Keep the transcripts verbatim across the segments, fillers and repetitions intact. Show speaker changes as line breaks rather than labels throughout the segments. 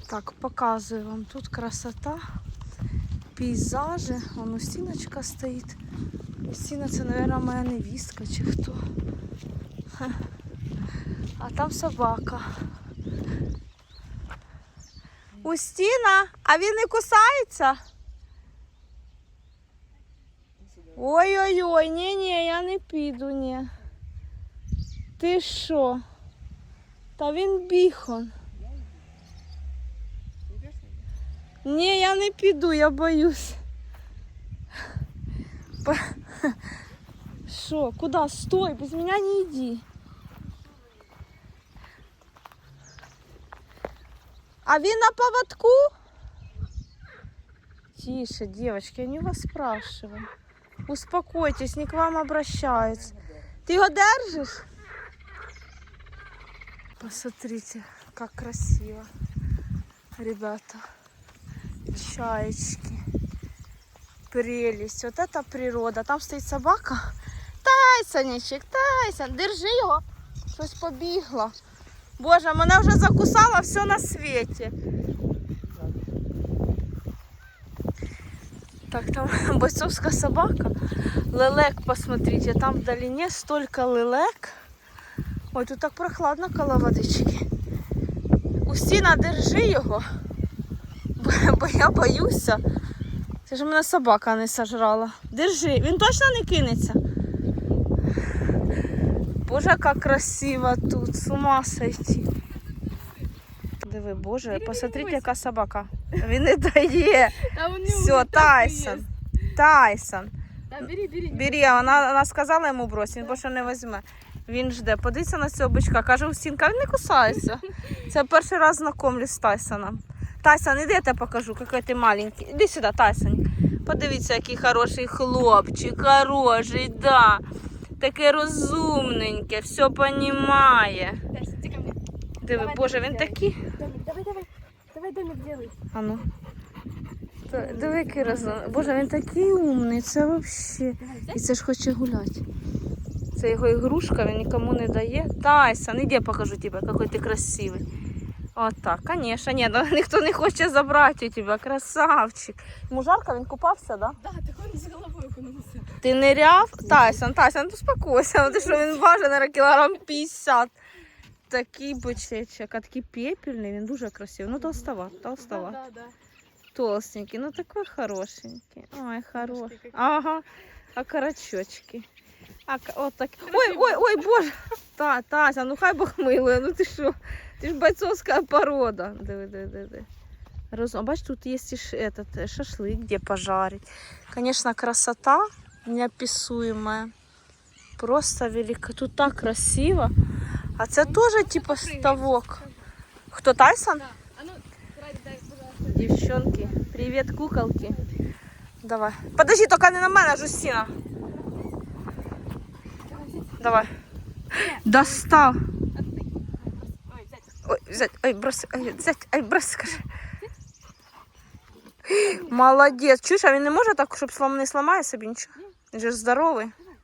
Так, показую вам. Тут красота, пейзажі. Вон Устіночка стоїть. Устіна це, мабуть, моя невістка чи хто. А там собака. Устіна, а він не кусається? Ой-ой-ой, ні-ні, я не піду, ні. Ти що? Та він біхон. Ні, я не піду, я боюсь. Що, куди? Стой, без мене не йди. А він на поводку? Тише, девочки, я не вас спрашиваю. Успокойтесь, не к вам обращаются. Ты его держишь? Посмотрите, как красиво, ребята. Чаечки. Прелесть. Вот это природа. Там стоит собака. Тайсончик, Тайсон, держи його. Щось побігло. Боже, мене вже закусало все на світі. Так, там бойцовская собака. Лелек, посмотрите, там в долине столько лелек. Ой, тут так прохладно коло водички. Устіна, держи його, бо, бо я боюся. Це ж мене собака не сожрала. Держи, він точно не кинеться? Боже, як красиво тут, з ума сойти. Диви, Боже, посмотрите, яка собака. Він не дає. Все, Тайсон. Тайсон.
Да, бери, бери.
Бери, а вона, вона сказала йому брось, він більше не візьме. Він жде, подивіться на цього бичка, каже, Устінка, він не кусається. Це перший раз знайомлюсь з Тайсоном. Тайсон, іди, я тебе покажу, який ти маленький. Іди сюди, Тайсон. Подивіться, який хороший хлопчик, хороший, да. Таке розумненьке, все розуміє. Диви,
Давай,
Боже,
домик
він
делай.
такий.
Домик, давай, давай. Давай домик делай.
А ну. Та- Диви, який розумний. Боже, він такий умний, це взагалі. І це ж хоче гуляти. Це його ігрушка, він нікому не дає. Тайсон, іди я покажу тебе, який ти красивий. От так, звісно, ні, ну, ніхто не хоче забрати у тебе, красавчик. Йому жарко, він купався, да?
Да, так он с головой окунулся.
Ти ниряв? Тайсон, Тайсон, ну успокойся, ти що він важить, наверное, кілограм п'ятдесят. Такий бочечок, а такий пепельний, він дуже красивий. Ну, толстоват, толстоват.
Да, да, да.
Толстенький, ну такой хорошенький. Ой, хороший.
какие.
Ага, а карачочки. А, к- от так. Ой, ой, ой, Боже. Та, Тася, ну хай Бог милує, ну ти що? Ти ж бойцовська порода. Диви, диви, диви. Роз... А бач, тут є і ш... этот, э, шашлик, де пожарить. Конечно, красота неописуемая. Просто велика. Тут так красиво. А це теж типа ставок. Хто, Тайсон?
Да. А ну, Ради, дай, пожалуйста.
Девчонки, привет, куколки. Давай. Подожди, только не на мене, Жустина. Давай. Достал.
Ой, взять.
Ой, взять, ой, брось, ой, взять, ой, брось, скажи. Молодець. Чуєш, а він не може так, щоб слом не сламає собі нічого? Він же ж здоровий.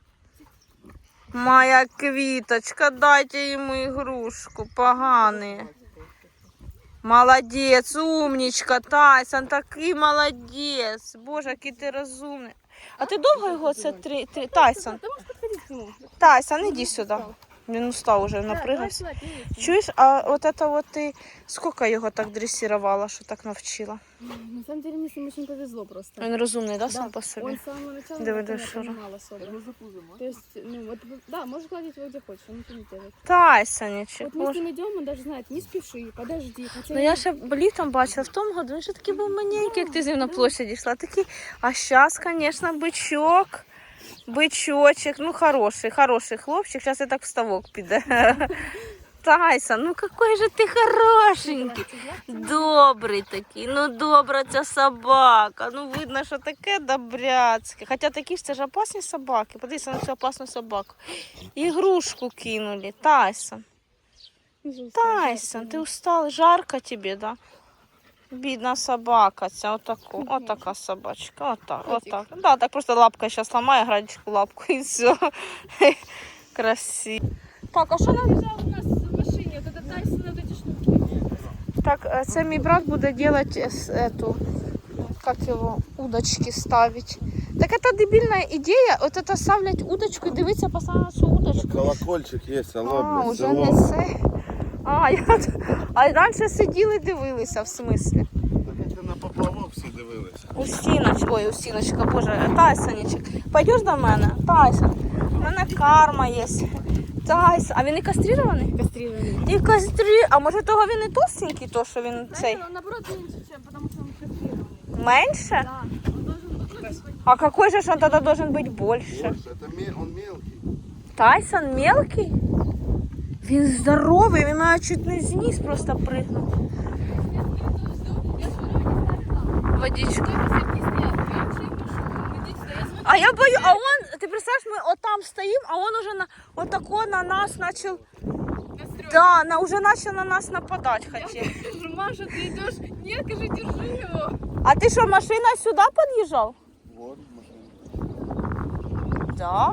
Моя квіточка, дайте йому ігрушку, поганий. Молодець, умничка, Тайсон, такий молодець. Боже, який ти розумний. А ти довго його це три... три... Тайсон?
Ты можешь подходить к нему.
Тайсон, іди сюди. Він устав уже, напригався.
Да, давай сюда, перейди.
Чуєш, а от це от ти скільки його так дресирувала, що так навчила?
На самом деле мне с ним очень повезло просто.
Він розумний, да, сам
Да,
по собі?
Он с самого начала
Давай,
никто
давай,
не
Шура.
понимал особо. То есть, ну вот, да, можешь гладить его где хочешь, он ничего не делает.
Тайсонечек,
Вот мы с
боже.
ним идем, он даже знает, не спеши, подожди. Хотя
Ну я ще літом бачила, в тому году він ще такий був маленький, як ти з ним на площаді йшла. Такий, а зараз, звісно, бичок, бичочек, ну хороший, хороший хлопчик, зараз і так в ставок піде. Тайсон, ну який же ти хорошенький, добрий такий, ну добра ця собака, ну видно, що таке добряцьке. Хоча такі ж це ж опасні собаки, подивіться на цю опасну собаку. Ігрушку кинули, Тайсон. Тайсон, ти устал, жарко тобі, да? Бідна собака ця, отаку, отака собачка, отак, отак. Да, так просто лапка зараз ламає, градичку лапку і все. Красиво. Так, а що нам
лежал у нас в машине, вот этот Тайсон, вот эти штуки.
Так, е, це мій брат буде робити эту, как его, удочки ставить. Так это дебильная идея, от это ставлять удочку і дивитися постоянно на цю удочку.
Колокольчик є, алло,
А,
блядь,
уже
село.
не це. А, я... а раніше сиділи дивилися, в смислі.
Так це на поплавок всі дивилися.
Устіночка, ой, Устіночка, боже, Тайсончик. Пойдеш до мене? Тайсон. У мене карма є. Тайсон. А він і кастрирований?
Кастрированный.
І кастрі... А може того він і толстенький, то що він цей?
Он наоборот меньше, чем, потому что он кастрированный.
Менше?
Да. Он должен быть, ну, типа,
А какой же ж он тогда должен быть больше?
Боже, це мі- он мелкий.
Тайсон мелкий? Він здоровий, він мене чуть не зніс просто пригнув. Водичка. А я бою, а он, ты представляешь, мы вот там стоим, а он уже на, вот такой на нас начал, да, на, уже начал на нас нападать хотел.
Маша, ты идешь? Нет, скажи, держи его.
А ты что, машина сюда подъезжал?
Вот машина.
Да.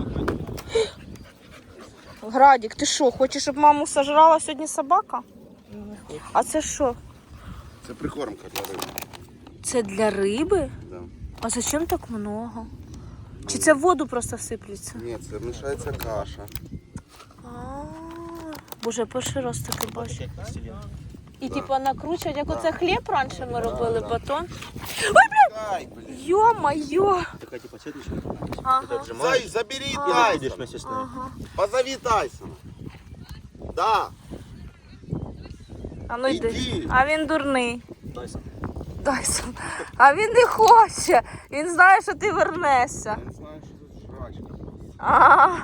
Градик, ти що, хочеш, щоб маму сожрала сьогодні собака? А це що?
Це прикормка для риби.
Це для риби?
Да.
А зачем так много? Чи це в воду просто всиплеться?
Ні, це мішається каша.
А, Боже, я перший раз таке бачу. І типу накручують, як оце хліб раніше ми робили, батон.
Ай, блядь.
Йо-моє!
Такая типа сеточка.
Ага.
Зай, забери
Ты
Тайсона.
видишь вместе с ней.
Ага.
Позови Тайсона. Да.
А ну йди.
Іди.
А він дурний.
Тайсон.
Тайсон. А він не хоче. Він знає, що ти вернешся.
Я не знаю, що тут жрачка.
А,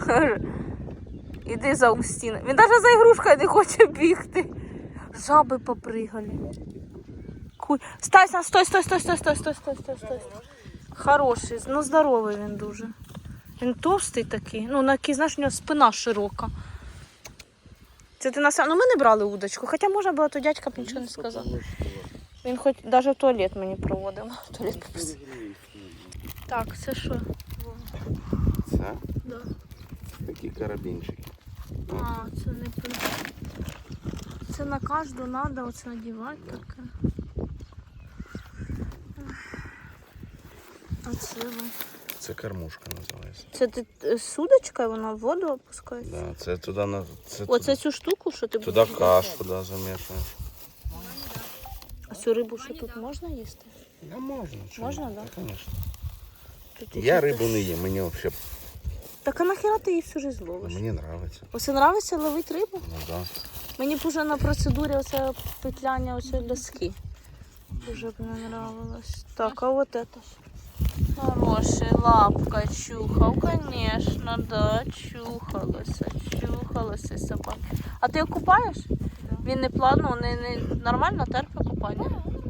іди за Умстіна. Він навіть за ігрушкою не хоче бігти. Жаби попригали. Куй. Стай, стой, стой, стой, стой, стой, стой, стой, стой, стой, стой. Хороший, ну здоровий він дуже. Він товстий такий. Ну, на кій, знаєш, у нього спина широка. Це ти на сам... Ну ми не брали удочку, хоча можна було, то дядька б нічого не сказав. Він хоч навіть в туалет мені проводив. В туалет попросив. Так, це що?
Це
Да.
такі карабінчики.
А, це не при... Це на кожну треба оце надівати таке. А це ви.
Це кормушка називається.
Це ти е, з удочкою вона в воду опускається?
Да, це туди на це
Оце цю штуку, що ти
туди
будеш
кашу да, замішуєш.
А цю рибу що тут можна їсти?
Да можна. чому?
Можна, да?
Та, конечно.
Тут
Я
ще
рибу не їм, мені взагалі
Так а нахіра ти її всю жизнь ловиш?
мені подобається.
Оце нравиться ловити рибу?
Ну да.
Мені б уже на процедурі оце петляння оцієї доски. Дуже б не нравилось. Так, а вот это. Хороший, лапка чухав, конечно, да, чухалося, чухалося собака. А ти його купаєш? Він не плавно, не, не нормально терпе купання?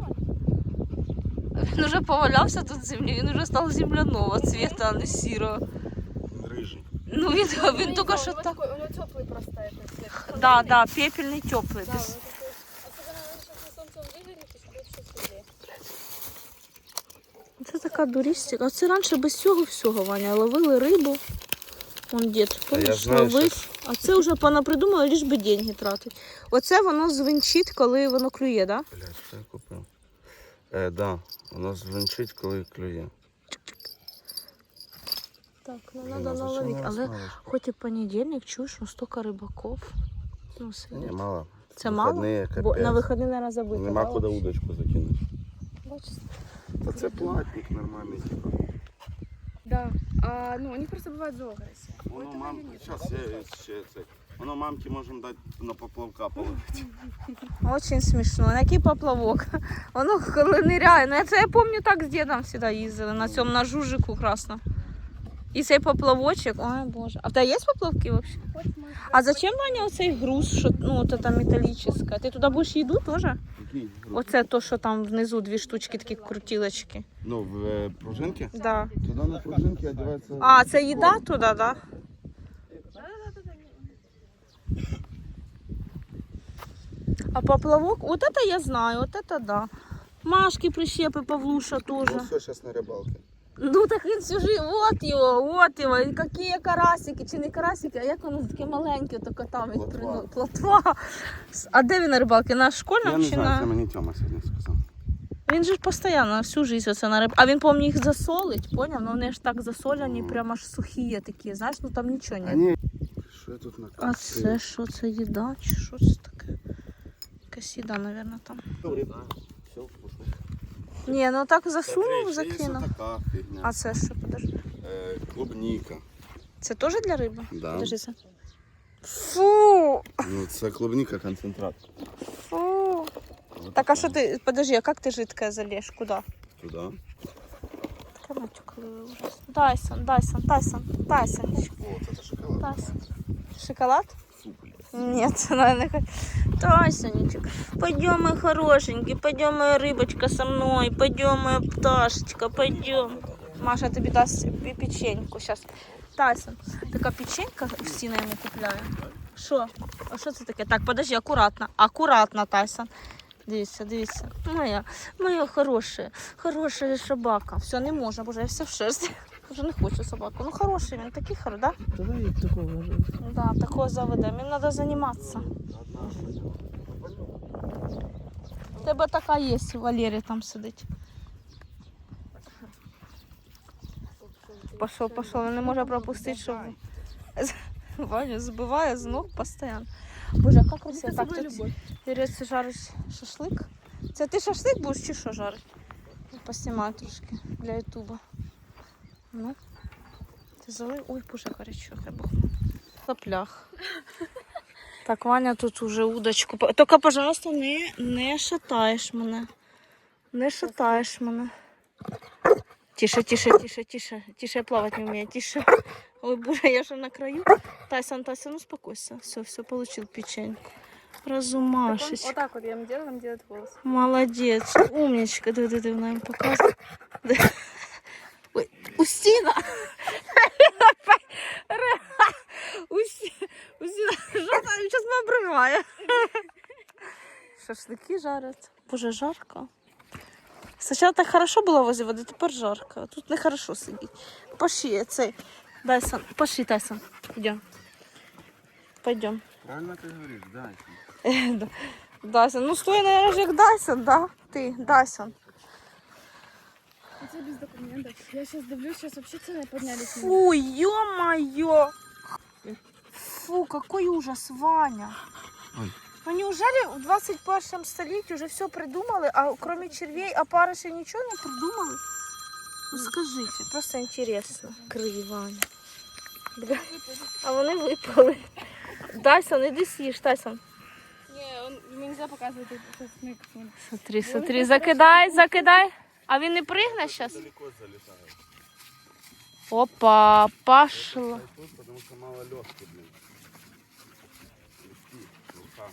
Він уже повалявся тут в землі, він уже став земляного цвіта, а не сірого.
Рижий.
Ну він, він тільки що
У него
так.
такой, у него теплый просто этот цвет.
Да, да, пепельний, теплий.
Да,
Без...
вот такой. Особенно надо сейчас на солнце он выглядит, то есть будет все светлее.
Це така дурістика. Оце раніше без цього всього, Ваня, ловили рибу. Вон дід,
я
помніш,
знаю,
ловить. А це вже понапридумали, лиш би деньги тратить. Оце воно звенчить, коли воно клює, да?
Блядь, що я купив? Е, да, воно звенчить, коли клює.
Так, ну
Блін,
треба
а зачем
наловити.
вона
Але
смалочка?
хоч і понедільник, чуєш, ну стільки рибаків. Ну,
Ні,
сидить.
мало.
Це мало?
Вихідні,
Бо
капець.
на вихідні, наверное, забито.
Нема
да?
куди удочку закинути.
Бачите?
Та це платник нормальний, типа.
Да. А, ну, они просто бывают золотые.
Воно мам... Зараз я ще це. Воно мамки можемо дати на поплавка половити.
Очень смішно. Який поплавок. Воно коли ниряє. Ну, це я пам'ятаю, так з дідом завжди їздили на цьому на жужику красно. І цей поплавочок, ой боже. А в тебе є поплавки взагалі? А зачем, Ваня, оцей груз, що, ну, от це металічне? Ти туди будеш їду теж?
Який?
Оце то, що там внизу дві штучки, такі крутілочки.
Ну, в е, пружинки?
Да.
Туди на пружинки одягається...
А, це їда туди, так? Да? А поплавок, вот это я знаю, вот это да. Машки, прищепи, Павлуша
Ну,
тоже.
все, зараз на рибалці.
Ну так він всю жив, от його, от його, і які карасики, чи не карасики, а як воно таке маленьке, то там від
Плотва.
прино- плотва. А де він на рибалки? На
Я
школьному
не
чи
знаю, це
на...
мені Тьома сьогодні сказав.
Він же ж постійно, всю життя оце на риб. А він, по-моєму, їх засолить, поняв? Ну вони ж так засоляні, прямо аж сухі є такі, знаєш, ну там нічого
А
немає.
ні. Що я тут накрутив?
А це що, це їда, чи що це таке? Якась їда, мабуть, там.
Все, пошел.
Ні, ну так засунув,
Смотри, ще є
закинув.
така фігня.
А це що, подожди?
Е, клубніка.
Це теж для риби?
Да.
Подожди, це. Фу!
Ну, це клубніка концентрат.
Фу! Так, а що ти, подожди, а як ти жидкое залєш? Куди?
Туди.
Таке матюкливе ужас. Дайсон, Дайсон, Тайсон, Тайсончик.
О, це шоколад.
Тайсон. Шоколад?
Фу, блядь.
Нет, она не хочет. Тасенечек, пойдем, мой хорошенький, пойдем, моя рыбочка со мной, пойдем, моя пташечка, пойдем. Маша тобі дасть пі- печеньку сейчас. Тайсон, така печенька Стіна йому купляє. Що? А що це таке? Так, подожди, акуратно, акуратно, Тайсон. Дивіться, дивіться. Моя, моя хороша, хороша собака. Все, не можна, боже, я вся в шерсті. Вже не хочу собаку. Ну хороший він, такий хороший, да?
Давай такого же.
Да, такого заведемо. Їм треба займатися. У тебе така є, Валерій там сидить. Пішов, пішов, він не може пропустити, щоб... Ваню збиває з ног постійно. Боже, яка красива. Так, тут Юрець жарить шашлик. Це ти шашлик будеш чи що жарить? Поснімаю трошки для ютуба. Ну. Ти залив? Ой, боже, гарячо, хай Бог. Соплях. Так, Ваня тут уже удочку. по- Тільки, пожалуйста, не, не шатаєш мене. Не шатаєш мене. Тише, тише, тише, тише. Тише, я плавати не вмію. Тише. Ой, боже, я же на краю. Тайсон, Тайсон, успокойся. Все, все, получил печеньку. Разумашечка.
Вот так вот я ему делаю, он делает волосы.
Молодец, умничка. Диви, диви, вона їм показує. Ой, Устіна! Усі- Устіна, що там? Зараз мене обриває. Шашлики жарять. Боже, жарко. Спочатку так хорошо було возле води, тепер жарко. А тут не хорошо сидіти. Пошли, цей. Дайсон, пошли, Тайсон. Йдем. Пойдем.
Правильно ти говориш, дай.
Да. Дайсон. Ну стой, наверное, як Дайсон, да? Ти, Дайсон.
Это без документов. Я сейчас давлю, сейчас вообще цены поднялись.
Фу, ё-моё! Фу, какой ужас, Ваня.
Ой.
Ну неужели в двадцать первом столетии уже все придумали, а кроме червей, опарышей ничего не придумали? Ну скажите, просто интересно. Крий, Ваня. Бля. А вони випали. Дайсон, іди съешь, Тайсон.
Не, он, ему нельзя показывать этот смык.
Смотри, смотри, закидай, закидай. А він не пригне зараз?
Далеко залітає.
Опа, пошло.
Тут, потому що мало легких, блин. Легкі, рука.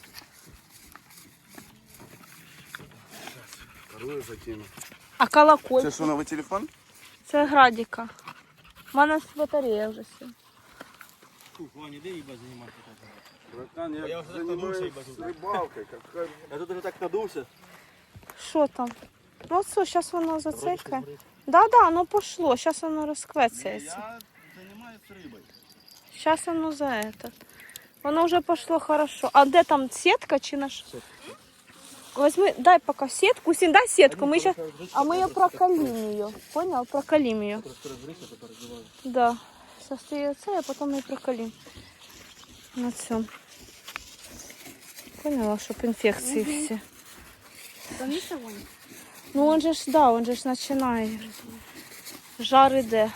Сейчас, вторую закину.
А колокольчик?
Це що, новий телефон?
Це градіка. У мене батарея вже сіла.
Фу, Ваня, де їба займатися так?
Братан, я,
Я вже так
занимаюсь
надувся, їбать.
рибалкою. Как...
Я тут уже так надувся.
Що там? Ну все, зараз воно зацикає. Да, да, ну пошло. Зараз воно розквецяється.
Я займаюсь рибою.
Зараз воно за это. Воно вже пошло хорошо. А де там сітка чи наш? Возьми, дай пока сетку. Син, дай сетку. Мы сейчас... А мы ее прокалим ее. Понял? Прокалим ее. Да. Сейчас ты ее цель, а потом ее прокалим. На цьому. Поняла, щоб інфекції
Мгм.
всі.
Там есть огонь?
Ну он же ж, да, он же ж починає. Жар іде.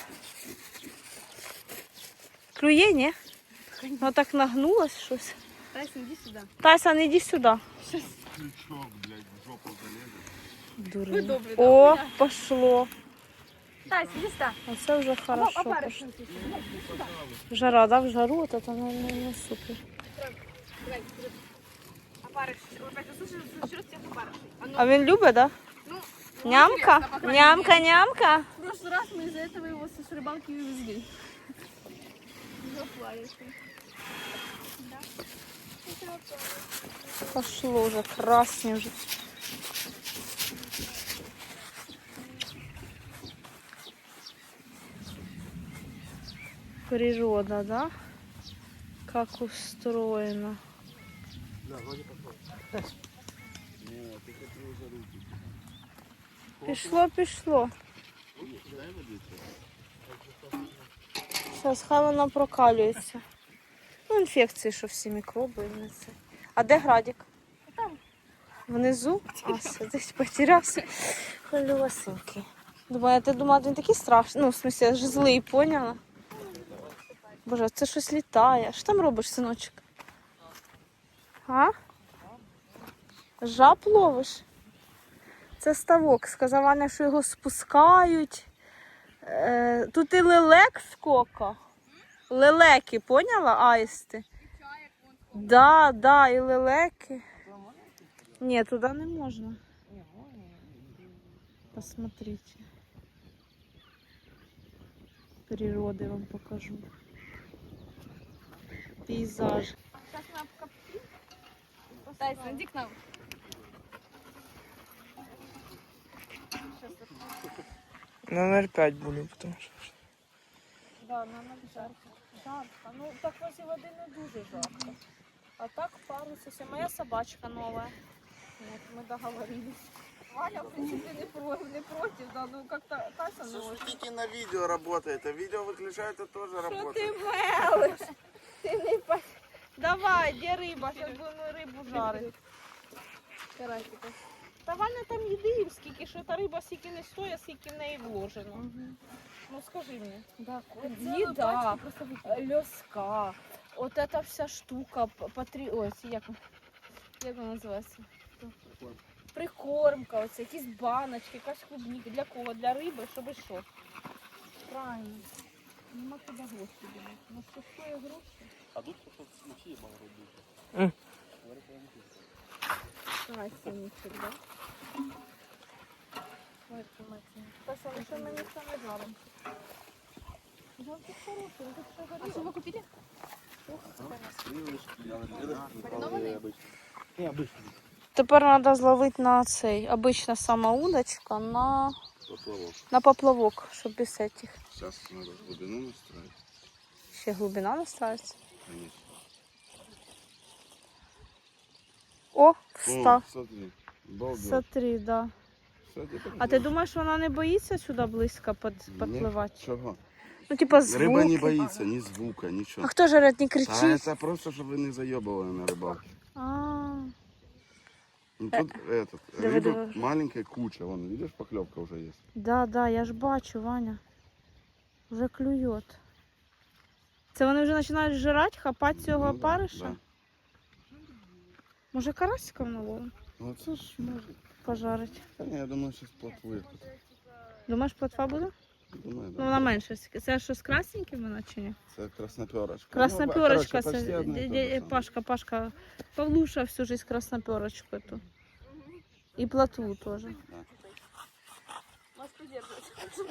Клює, ні? Ну так нагнулось щось.
Тайсон, иди сюда.
Тайсон, іди сюди.
Крючок, блядь, в жопу залезе.
Вы
Дурень.
добрый,
О,
да?
пошло.
Тайсон, иди сюда.
Оце вже хорошо
Опарыш.
пошло. Жара, да, в жару, от это, ну, ну, ну, супер.
Опарыш. Вот это слышишь, что тебе опарыш?
А він любить, да?
Ну,
Нямка?
интересно, по крайней
Нямка,
мере.
нямка.
В прошлый раз мы из-за этого его с рыбалки увезли. Заплавился.
Пошло уже, красный уже. Природа, да? Как устроено.
Да, вроде пошло.
Ні, ти хотів вже руки.
Пішло, пішло.
Дай водичку.
Зараз хай вона прокалюється. Ну, інфекції, що всі мікроби і не це. А де Градік? Там. Внизу? А, сидить, потерявся. Хвилювасенький. Думаю, ти думала, він такий страшний. Ну, в смысле, ж злий, поняла? Боже, це щось літає. Що там робиш, синочок? А? Жаб ловиш? Це ставок. Сказав Ваня, що його спускають. Е, тут і лелек скока. Лелеки, поняла, аїсти? Да, да, і лелеки. Ні, туди не можна. Посмотрите. Природи вам покажу. Пейзаж.
Тайсон, иди к нам.
Номер пять буду, потому что...
Да, нам жарко. Жарко. Ну, так возле води не дуже жарко. А так парусися. Моя собачка новая. Вот, мы договорились.
Ваня, в принципе, не, про, не против, да, ну как-то Тайсон не очень.
Тільки на відео работает, а відео виключаєте теж
Що
работает.
ти мелиш? Ти не по... Давай, де риба? Зараз будемо рибу жарити.
Карасика.
Та Ваня там їди їм скільки, що та риба скільки не стоїть, скільки в неї вложено. Ну скажи мені.
Да,
Їда, льоска, от эта вся штука, патрі... Ой, ці як, як вона називається? Прикормка, оце, якісь баночки, якась клубніка. Для кого? Для риби, щоб і що? Правильно. Нема куди гроші дівати. Ну що стоїть гроші?
А тут просто смачі є багато дуже.
М.
Давай, синичок, да? Ой, тримайте. Тася, ну що ми ніхто не жаримо? Жовтий хороший, він тут все
А
горіло.
что вы купили?
Не, обычно.
Тепер треба зловити на цей, обична сама удочка, на,
Поплавок.
на поплавок, щоб без этих.
Зараз треба глибину настроїти.
Ще глибина настраивается.
Конечно.
О,
О,
встав.
смотри. Балдеть.
Смотри, да.
Кстати, так
А ти думаєш, вона не боїться сюди близько під-
Ні,
підпливати?
Чого?
Ну, типа звуки.
Риба не боїться, ні звука,
А
нічого.
хто ж говорить, не
Та
кричить?
це просто, щоб ви не зайобували на рибалку.
А,
Ну, тут этот,
диви,
рыбы
диви.
маленькая куча, вон, видишь, поклевка уже есть.
да, да, я ж бачу, Ваня. Вже клює. Це вони вже починають жирати, хапати цього
Ну да,
опариша?
да.
Може карасиком наловимо?
Ну це ж може.
Пожарить.
Та ні, я думаю, зараз плотвує тут.
Думаєш, плотва буде?
Думаю,
Ну,
да.
вона менше. Це що з красненьким вона чи ні?
Це красноперочка.
Красноперочка,
Ну, короче, почти
це
одне
дя-
і те
дя-
же саме.
Пашка, Пашка. Павлуша всю жизнь красноперочку эту. И плотву тоже.
Вас придерживать.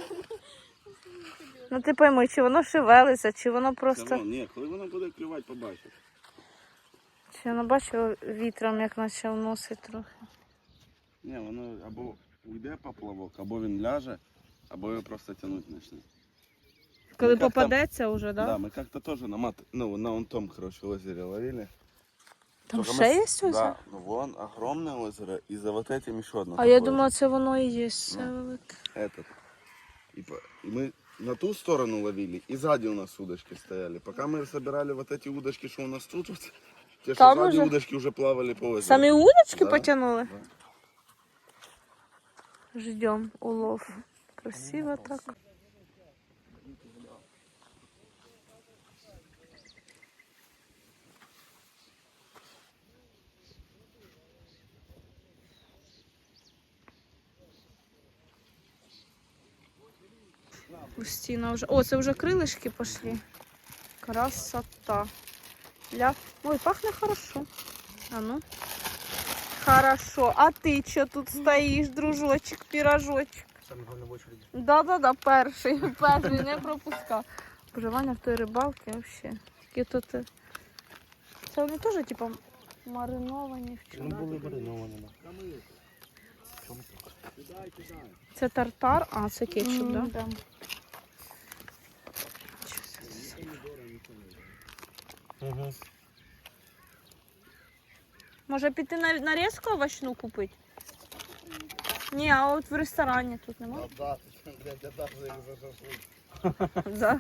Ну ти пойми, чи воно шевелиться, чи воно
Все
просто...
одно, ні, коли воно буде клювати, побачиш.
Чи воно бачив вітром, як наче вносить трохи.
Ні, воно або уйде поплавок, або він ляже, або його просто тягнути почне.
Коли
як там-
попадеться вже,
Да?
да?
Да, мы как-то тоже на мат, ну, на вон том, короче, озере ловили.
Там
Только
ще
мы
є
с-
озеро?
Да, ну вон огромное озеро, и за вот этим еще одно.
А я
такое
думала,
же.
це воно і є. Це
Ну.
велике.
Этот. И, по- и мы на ту сторону ловили, и сзади у нас удочки стояли. Пока мы собирали вот эти удочки, что у нас тут, вот, те, что
Там
сзади
уже?
удочки уже плавали по озеру.
Самі удочки
Да,
потягнули?
да.
Ждем улов. Красиво так. Устина вже. О, це вже крилишки пішли. Красота. Ля. Ой, пахне хорошо. А ну. Хорошо. А ти що тут стоїш, дружочек, пірожочек?
Самый главный в очереди.
Да-да-да, перший, перший, не пропускав. Боже, Ваня в той рибалці взагалі. Такі тут... е, Це вони теж, типу, мариновані в
Ну,
чому?
були мариновані. да.
Це тартар, а це кетчуп,
М,
да?
да.
Щас я це-
Угу.
Може піти на нарізку овочну купити? Ні, а от в ресторані тут немає.
Да, блядь, я так за за шашлык.
Да.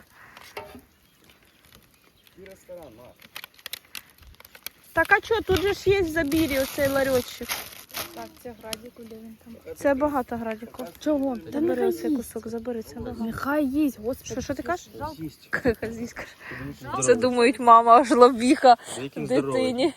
И ресторан, на.
Так а що, тут же ж є в Забірі оцей ларьочок.
Так, це градик, куди він там.
Це багато градіку.
Чого?
Забери оцей кусок, забери, це багато.
Нехай їсть, господи.
Що, що ти кажеш?
Есть.
Хазісь каже. Це думають, мама жлобіха
Яким здоровий.
дитині.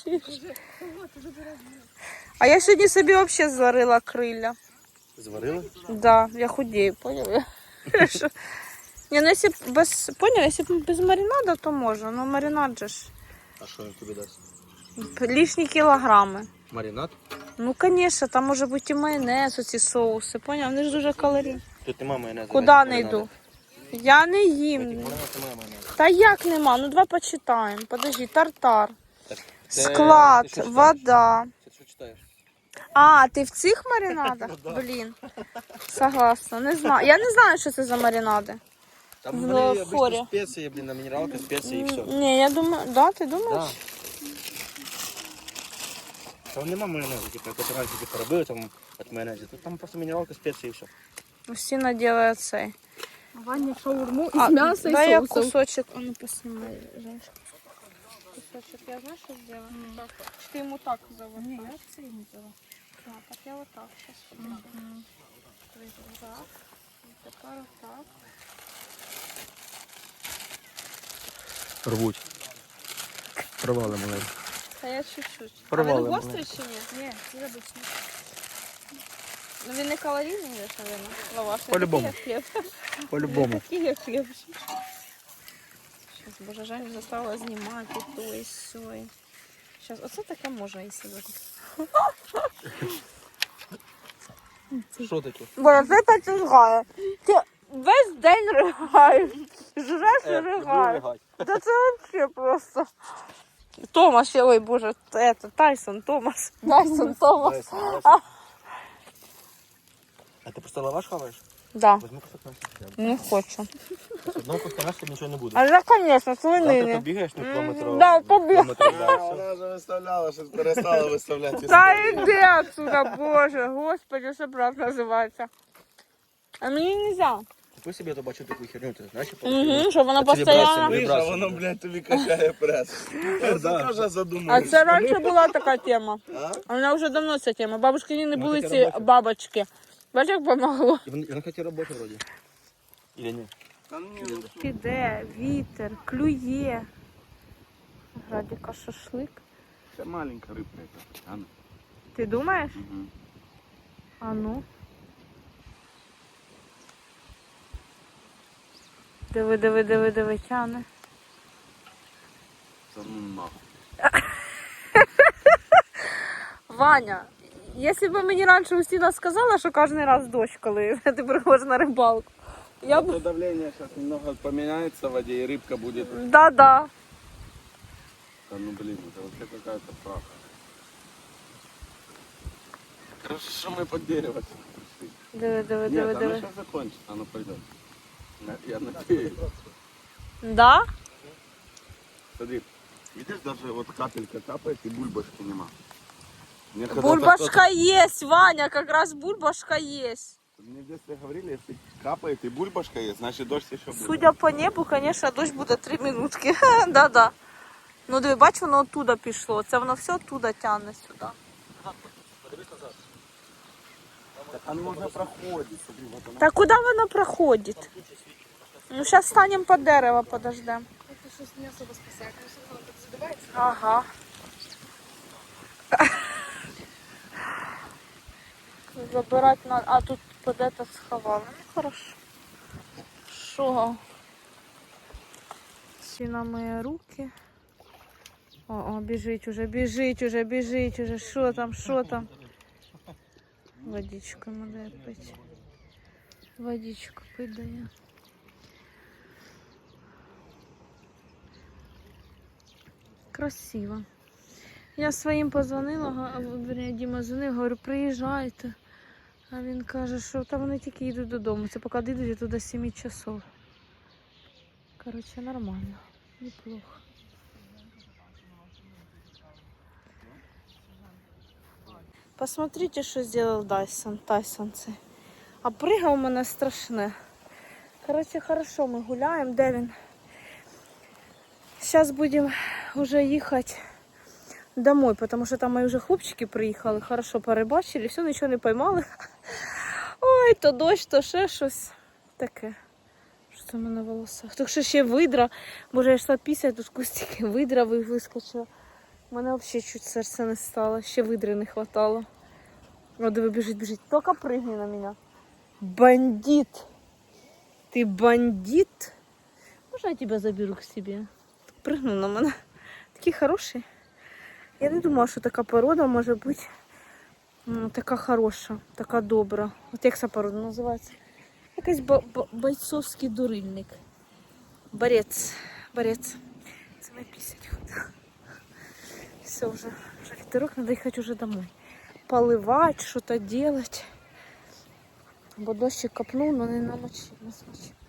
А я сьогодні собі взагалі зварила криля.
Зварила?
Да, я худею, поняли? Що? Ні, ну якщо б без, поняли, якщо б без маринада, то можна, но маринад же ж
А що він тобі дасть?
лишні кілограми.
Маринад?
Ну, звісно, там може бути і майонез, оці соуси, поняв? Вони ж дуже калорійні.
Тут нема майонезу.
Куди
навіть
не
маринада.
йду? Я не
В этих
їм.
маринадах немає майонезу.
Та як нема? Ну, давай почитаємо. Подожди, тартар.
Так, це-
Склад,
ти що читаєш?
вода.
Це що читаєш?
А, ти в цих маринадах? Блін. Согласна. Не знаю. Я не знаю, що це за маринади.
Там
В
вони
форі.
обычно спеції, блін, на мінералка, спеції і все.
Ні, я думаю, да, ти
Да.
думаєш?
Там нема майонезу, типу, як от раніше типу, робили там от майонезу. Тут там просто мінералка, спеції і все.
Всі наділають цей.
Ваня шаурму
А,
із м'яса і
дай я
соусом.
кусочек, а ну поснимай, Женечка. Кусочек, я знаешь, что сделаю? Так. Ты ему так заводишь? Не, я це не взяла. Да, так я вот так сейчас попробую. Так, и тепер вот так.
Рвуть. Провали маленькі.
Та я чуть-чуть.
Порвали
А він
мене.
гострий чи ні? Ні, це обичний. Ну він не калорійний, же, наверное, лаваш. Не
По-любому.
такий, як хліб. Не
По-любому.
такий, як хліб. Сейчас, боже, Женю заставила знімати і то, і все. Сейчас, оце таке можна і сьогодні.
Що таке?
Боже, це так ригає. Ти весь день ригаєш. Жреш і
Е, люблю
ригаєш.
ригать.
Та це взагалі просто. Томас ще, ой, боже, это, Тайсон, Томас. Тайсон, Томас.
Дайся, дайся. А ти просто лаваш хаваєш?
Да,
Возьми кусок м'яса.
не хочу.
З одного куска м'яса нічого не буде.
А я, конечно,
Завтра
свинини.
побігаєш на кілометр.
Да, побіг.
кілометр далі, все.
Вона вже виставляла, щось перестала виставляти.
Та
історії.
йди отсюда, боже, господи, що правда називається. А мені нельзя.
Купи собі, я то бачу таку херню, ти знаєш? що
Угу, щоб вона
Це вібрація,
постійно.
Видиш, а
вібрація.
воно, блядь, тобі качає прес. Я
да.
теж
А
задумався.
це раніше була така тема.
А?
А вона вже давно ця тема. Бабушки не
Ну,
були
таке
ці
робоче.
бабочки. Бачиш, як помогло?
І вона, вона хотіла робити вроді. Или ні?
Та ні,
Піде, вітер, клює. Градіка шашлик.
Це маленька рибка яка. А ну.
Ти думаєш?
Мгм.
А ну. Диви, диви, диви, диви, тяне.
Це ну нахуй.
Ваня, якщо б мені раніше Устіна сказала, що кожен раз дощ, коли ти приходиш на рибалку. Я б...
То давление сейчас немного поменяется в воде, и рыбка будет...
Да-да.
Да ну блин, это вообще какая-то правда. Хорошо, что мы под дерево пришли.
Диви, диви,
Нет,
диви,
оно
диви.
сейчас закончится, оно пойдет. Я- Я надеюсь.
Да?
Смотри, видишь, даже вот капелька капает и бульбашки нема. Мне когда-то
Бульбашка есть, Ваня, как раз бульбашка есть.
кто-то- Мне в детстве говорили, если капает и бульбашка есть, значит дождь еще будет.
Судя по небу, конечно, дощ буде три минутки. Да-да. Ну диви, бач, воно оттуда пішло. Це воно все оттуда тягне сюди.
Так оно уже проходит, смотри, вот оно.
Та куди воно проходить? Ну, зараз станемо під дерево, подождемо.
Це щось не особо спасає. Конечно, воно так задувається.
Ага. Забирать надо. А тут под это сховали. Ну хорошо. Шо? Всі на мої руки. О, о, біжить уже, біжить уже, біжить уже. Що там, що там? Водичку надо пити. Водичку пить дає. Красиво. Я своїм позвонила, га- верні, Діма дзвонив, говорю, приїжджайте. А він каже, що та вони тільки йдуть додому. Це поки дійдуть, я туди сім часов. Коротше, нормально. Неплохо. Посмотрите, що зробив Дайсон. Тайсон цей. А пригав у мене страшне. Коротше, хорошо, ми гуляємо. Де він? Зараз будемо вже їхати домой, тому що там мої вже хлопчики приїхали, хорошо порибачили, все, нічого не поймали. Ой, то дощ, то ще щось таке. Що це в мене в волосах? Так що ще видра, боже, я йшла після, тут кустики видра вискочила. У мене взагалі чуть серце не стало, ще видри не хватало. О, диви, біжить, біжить. Тільки пригни на мене. Бандит! Ти бандит? Можна я тебе заберу к себе? Пригнув на мене. Такий хороший. Я не думала, що така порода може бути м, така хороша, така добра. От як ця порода називається? Якийсь бойцовський дурильник. Борець. Борець. Це ми пісять ходила. Все, вже, вже вітерок, треба їхати вже домой. Поливати, щось робити. Бо дощик капнув, але не намочив, не смочив.